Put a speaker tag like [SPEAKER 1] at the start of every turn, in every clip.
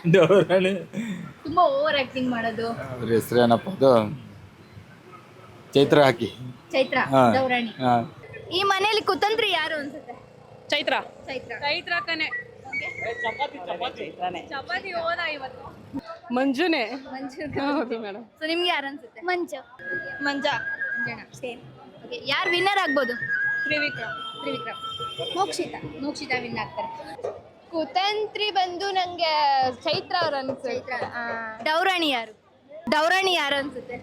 [SPEAKER 1] ಡೌರಾಣಿ.
[SPEAKER 2] ತುಂಬಾ over acting ಮಾಡೋದು.
[SPEAKER 1] ಅವ್ರ ಹೆಸರು ಏನಪ್ಪ ಅದು? ಚೈತ್ರ ಹಾಕಿ.
[SPEAKER 2] ಚೈತ್ರ.
[SPEAKER 1] ಹಾ.
[SPEAKER 2] ಡೌರಾಣಿ.
[SPEAKER 1] ಹಾ.
[SPEAKER 2] ಈ ಮನೆಯಲ್ಲಿ ಕುತಂತ್ರಿ ಯಾರು ಅನ್ಸುತ್ತೆ?
[SPEAKER 3] ಚೈತ್ರ.
[SPEAKER 2] ಚೈತ್ರ.
[SPEAKER 3] ಚೈತ್ರ ಕನೆ. ಚಪಾತಿ ಹೋದ ಇವತ್ತು. ಮಂಜುನೆ.
[SPEAKER 2] ಮಂಜು.
[SPEAKER 3] ಹೌದು ಮೇಡಮ್.
[SPEAKER 2] ಸೊ ನಿಮ್ಗೆ ಯಾರು ಅನ್ಸುತ್ತೆ?
[SPEAKER 4] ಮಂಜು.
[SPEAKER 3] ಮಂಜಾ.
[SPEAKER 2] ಮಂಜಣ್ಣ. ಸೇಮ್. ಓಕೆ, ಯಾರು ವಿನ್ನರ್ ಆಗ್ಬೋದು?
[SPEAKER 3] ತ್ರಿವಿಕ್ರಮ್.
[SPEAKER 2] ತ್ರಿವಿಕ್ರಮ್.
[SPEAKER 4] ಮೋಕ್ಷಿತ.
[SPEAKER 2] ಮೋಕ್ಷಿತಾ ವಿನ್ ಆಗ್ತಾರೆ.
[SPEAKER 3] ಕುತಂತ್ರಿ ಬಂದು ನಂಗೆ ಚೈತ್ರ ಅವ್ರ
[SPEAKER 2] ಚೈತ್ರ. ಡೌರಾಣಿ ಯಾರು? ಡೌರಾಣಿ ಯಾರು ಅನ್ಸುತ್ತೆ?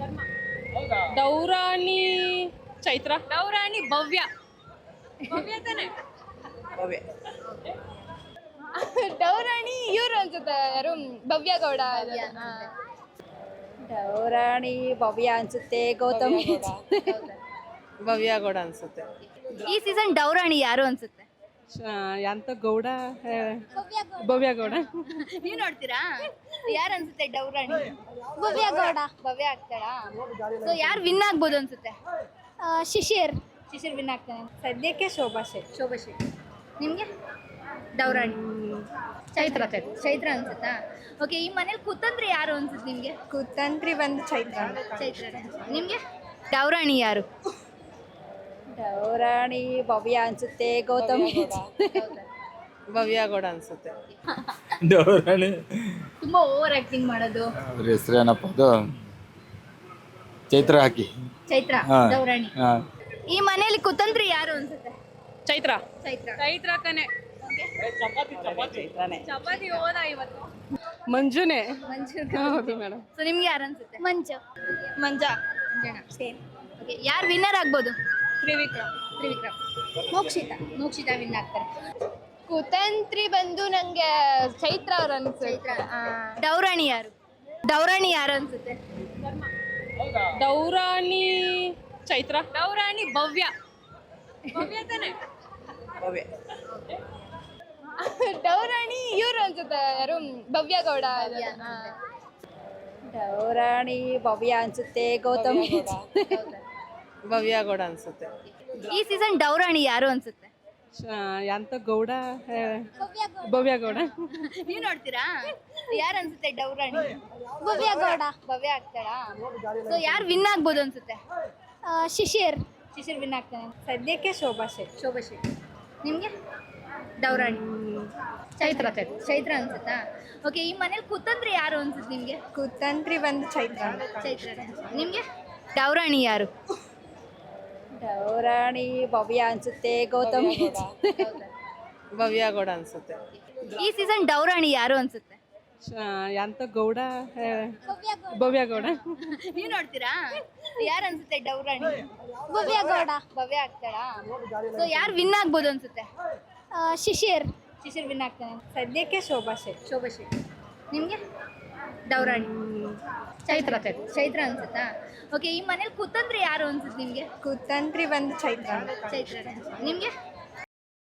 [SPEAKER 3] ಡೌರಾಣಿ ಚೈತ್ರ. ಡೌರಾಣಿ ಭವ್ಯ. ಭವ್ಯ ತಾನೆ. ಭವ್ಯ. ಡೌರಾಣಿ ಇವ್ರು ಅನ್ಸುತ್ತೆ, ಯಾರು? ಭವ್ಯ ಗೌಡ.
[SPEAKER 4] ಡೌರಾಣಿ ಭವ್ಯ ಅನ್ಸುತ್ತೆ. ಗೌತಮಿ.
[SPEAKER 3] ಭವ್ಯ ಗೌಡ ಅನ್ಸುತ್ತೆ.
[SPEAKER 2] ಈ ಸೀಸನ್ ಡೌರಾಣಿ ಯಾರು ಅನ್ಸುತ್ತೆ?
[SPEAKER 3] ಎಂತ ಗೌಡ. ಭವ್ಯ ಗೌಡ.
[SPEAKER 2] ನೀವ್ ನೋಡ್ತೀರಾ? ಯಾರು ಅನ್ಸುತ್ತೆ ಡೌರಾಣಿ?
[SPEAKER 4] ಭವ್ಯ ಗೌಡ.
[SPEAKER 2] ಭವ್ಯ ಆಗ್ತಾಳಾ? ಸೊ ಯಾರು ವಿನ್ ಆಗ್ಬೋದು ಅನ್ಸುತ್ತೆ?
[SPEAKER 4] ಶಿಶಿರ್.
[SPEAKER 2] ಶಿಶಿರ್ ವಿನ್ ಆಗ್ತಾನೆ.
[SPEAKER 4] ಸದ್ಯಕ್ಕೆ ಶೋಭಾ ಶೆಟ್ಟಿ.
[SPEAKER 2] ಶೋಭಾ ಶೆಟ್ಟಿ. ನಿಮ್ಗೆ? ಡೌರಾಣಿ. ಚೈತ್ರ. ಚೈತ್ರ ಅನ್ಸುತ್ತಾ? ಓಕೆ, ಈ ಮನೇಲಿ ಕುತಂತ್ರಿ ಯಾರು ಅನ್ಸುತ್ತೆ ನಿಮ್ಗೆ?
[SPEAKER 4] ಕುತಂತ್ರಿ ಬಂದು ಚೈತ್ರ.
[SPEAKER 2] ಚೈತ್ರ. ನಿಮ್ಗೆ? ಡೌರಾಣಿ ಯಾರು?
[SPEAKER 4] ಡೌರಾಣಿ ಭವ್ಯ ಅನ್ಸುತ್ತೆ. ಗೌತಮಿ.
[SPEAKER 3] ಭವ್ಯ ಗೌಡ ಅನ್ಸುತ್ತೆ.
[SPEAKER 1] ಡೌರಾಣಿ.
[SPEAKER 2] ತುಂಬಾ ಓವರ್ ಆಕ್ಟಿಂಗ್ ಮಾಡೋದು.
[SPEAKER 1] ಅವ್ರ ಹೆಸರು ಏನಪ್ಪ ಅದು? ಚೈತ್ರ ಹಾಕಿ.
[SPEAKER 2] ಚೈತ್ರ.
[SPEAKER 1] ಹಾ.
[SPEAKER 2] ಡೌರಾಣಿ.
[SPEAKER 1] ಹಾ.
[SPEAKER 2] ಈ ಮನೇಲಿ ಕುತಂತ್ರಿ ಯಾರು ಅನ್ಸುತ್ತೆ?
[SPEAKER 3] ಚೈತ್ರ.
[SPEAKER 2] ಚೈತ್ರ.
[SPEAKER 3] ಚೈತ್ರ ಕನೆ. ಚಪಾತಿ ಹೋದ ಇವತ್ತು. ಮಂಜುನೆ.
[SPEAKER 2] ಮಂಜು.
[SPEAKER 3] ಹೌದು ಮೇಡಮ್.
[SPEAKER 2] ಸೊ ನಿಮ್ಗೆ ಯಾರು ಅನ್ಸುತ್ತೆ?
[SPEAKER 4] ಮಂಜು.
[SPEAKER 3] ಮಂಜಾ.
[SPEAKER 2] ಮಂಜಣ್ಣ. ಸೇಮ್. ಓಕೆ, ಯಾರು ವಿನ್ನರ್ ಆಗ್ಬೋದು?
[SPEAKER 3] ತ್ರಿವಿಕ್ರಮ್.
[SPEAKER 2] ತ್ರಿವಿಕ್ರಮ್.
[SPEAKER 4] ಮೋಕ್ಷಿತ.
[SPEAKER 2] ಮೋಕ್ಷಿತಾ ವಿನ್ ಆಗ್ತಾರೆ.
[SPEAKER 3] ಕುತಂತ್ರಿ ಬಂದು ನಂಗೆ ಚೈತ್ರ ಅವ್ರ
[SPEAKER 2] ಚೈತ್ರ. ಡೌರಾಣಿ ಯಾರು? ಡೌರಾಣಿ ಯಾರು ಅನ್ಸುತ್ತೆ?
[SPEAKER 3] ಡೌರಾಣಿ ಚೈತ್ರ. ಡೌರಾಣಿ ಭವ್ಯ. ಭವ್ಯ ತಾನೆ. ಭವ್ಯ. ಡೌರಾಣಿ ಇವ್ರು ಅನ್ಸುತ್ತೆ, ಯಾರು? ಭವ್ಯ ಗೌಡ.
[SPEAKER 4] ಡೌರಾಣಿ ಭವ್ಯ ಅನ್ಸುತ್ತೆ. ಗೌತಮಿ.
[SPEAKER 3] ಭವ್ಯ ಗೌಡ ಅನ್ಸುತ್ತೆ.
[SPEAKER 2] ಈ ಸೀಸನ್ ಡೌರಾಣಿ ಯಾರು ಅನ್ಸುತ್ತೆ?
[SPEAKER 3] ಎಂತ ಗೌಡ. ಭವ್ಯ ಗೌಡ.
[SPEAKER 2] ನೀವ್ ನೋಡ್ತೀರಾ? ಯಾರು ಅನ್ಸುತ್ತೆ ಡೌರಾಣಿ?
[SPEAKER 4] ಭವ್ಯ ಗೌಡ.
[SPEAKER 2] ಭವ್ಯ ಆಗ್ತಾಳಾ? ಸೊ ಯಾರು ವಿನ್ ಆಗ್ಬೋದು ಅನ್ಸುತ್ತೆ?
[SPEAKER 4] ಶಿಶಿರ್.
[SPEAKER 2] ಶಿಶಿರ್ ವಿನ್ ಆಗ್ತಾನೆ.
[SPEAKER 4] ಸದ್ಯಕ್ಕೆ ಶೋಭಾ ಶೆಟ್ಟಿ.
[SPEAKER 2] ಶೋಭಾ ಶೆಟ್ಟಿ. ನಿಮ್ಗೆ? ಡೌರಾಣಿ. ಚೈತ್ರ. ಚೈತ್ರ ಅನ್ಸುತ್ತಾ? ಓಕೆ, ಈ ಮನೇಲಿ ಕುತಂತ್ರಿ ಯಾರು ಅನ್ಸುತ್ತೆ ನಿಮ್ಗೆ?
[SPEAKER 4] ಕುತಂತ್ರಿ ಬಂದು ಚೈತ್ರ.
[SPEAKER 2] ಚೈತ್ರ. ನಿಮ್ಗೆ? ಡೌರಾಣಿ ಯಾರು?
[SPEAKER 4] ಡೌರಾಣಿ ಭವ್ಯ ಅನ್ಸುತ್ತೆ. ಗೌತಮಿ.
[SPEAKER 3] ಭವ್ಯ ಗೌಡ ಅನ್ಸುತ್ತೆ.
[SPEAKER 2] ಈ ಸೀಸನ್ ಡೌರಾಣಿ ಯಾರು ಅನ್ಸುತ್ತೆ?
[SPEAKER 3] ಎಂತ ಗೌಡ. ಭವ್ಯ ಗೌಡ.
[SPEAKER 2] ನೀವ್ ನೋಡ್ತೀರಾ? ಯಾರು ಅನ್ಸುತ್ತೆ ಡೌರಾಣಿ?
[SPEAKER 4] ಭವ್ಯ ಗೌಡ.
[SPEAKER 2] ಭವ್ಯ ಆಗ್ತಾಳಾ? ಸೊ ಯಾರು ವಿನ್ ಆಗ್ಬೋದು ಅನ್ಸುತ್ತೆ?
[SPEAKER 4] ಶಿಶಿರ್.
[SPEAKER 2] ಶಿಶಿರ್ ವಿನ್ ಆಗ್ತಾನೆ.
[SPEAKER 4] ಸದ್ಯಕ್ಕೆ ಶೋಭಾ ಶೆಟ್ಟಿ.
[SPEAKER 2] ಶೋಭಾ ಶೆಟ್ಟಿ. ನಿಮ್ಗೆ? ಡೌರಾಣಿ. ಚೈತ್ರ. ಚೈತ್ರ ಅನ್ಸುತ್ತಾ? ಓಕೆ, ಈ ಮನೇಲಿ ಕುತಂತ್ರಿ ಯಾರು ಅನ್ಸುತ್ತೆ ನಿಮ್ಗೆ?
[SPEAKER 4] ಕುತಂತ್ರಿ ಬಂದು ಚೈತ್ರ.
[SPEAKER 2] ಚೈತ್ರ. ನಿಮ್ಗೆ?